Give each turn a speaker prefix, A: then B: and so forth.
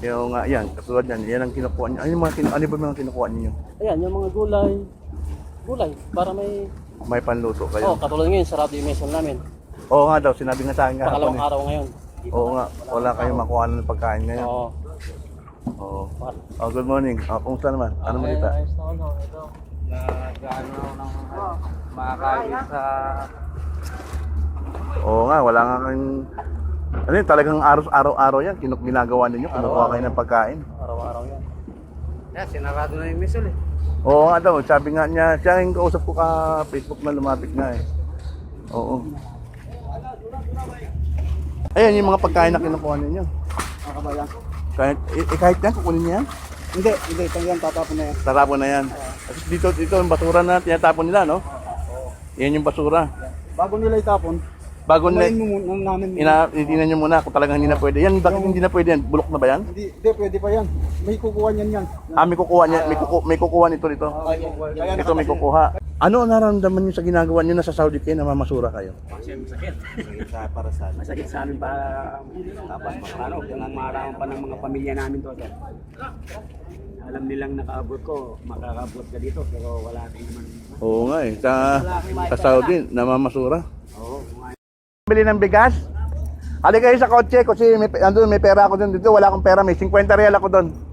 A: Yung yan, katulad yan, yan ang kinukuha niyo. Ano yung mga ano ba mga kinukuha niyo?
B: Ayan, yung mga gulay. Gulay, para
A: May panluto
B: Oh,
A: kayo.
B: katulad ngayon, sarado yung meson namin.
A: Oo nga daw, sinabi nga sa akin kahapon
B: Pangalawang
A: eh.
B: araw ngayon.
A: Oo nga, wala kayong makuha ng pagkain ngayon.
B: Oo.
A: Oo. Oh, good morning. Kumusta naman? Ano mo kita?
B: Ayos na ano, ito.
C: Nag-ano ng makakain sa...
A: Oo nga, wala nga kayong... Ano yun, talagang araw-araw yan. Ginagawa ninyo, kumukuha kayo ng pagkain.
B: Araw-araw yan.
C: Yeah, sinarado na yung misol eh.
A: Oo nga daw, sabi nga niya, siya yung kausap ko ka Facebook na lumapit nga eh. Oo. Ayan yung mga pagkain na kinukuha ninyo.
C: Makabayan.
A: Kahit yan, kukunin niya yan?
C: Hindi, tangyang tatapon na yan.
A: Tatapon na yan. Kasi dito yung basura na tinatapon nila, no? Yan yung basura.
C: Bago nila itapon,
A: Bago na,
C: kumain mo namin.
A: itinan nyo muna kung talagang hindi na pwede. Yan, bakit hindi na pwede yan? Bulok na ba yan?
C: Hindi, pwede pa yan. May kukuha niyan yan.
A: May kukuha niya, may kukuha nito dito.
C: Kaya
A: Ito may kukuha. Ano ang nararamdaman niyo sa ginagawa niyo na sa Saudi kayo, namamasura kayo?
C: Masakit para sa amin. Masakit sa amin para tapos ano, kung maraman pa ng mga pamilya namin to. Sir. Alam nilang nakaabot ko, makakaabot ka dito pero wala rin naman.
A: Oo nga eh, sa Saudi, namamasura.
C: Oo.
A: Bili ng bigas? Halika kayo sa kotse kasi may pera ako dun dito, wala akong pera, may 50 real ako doon.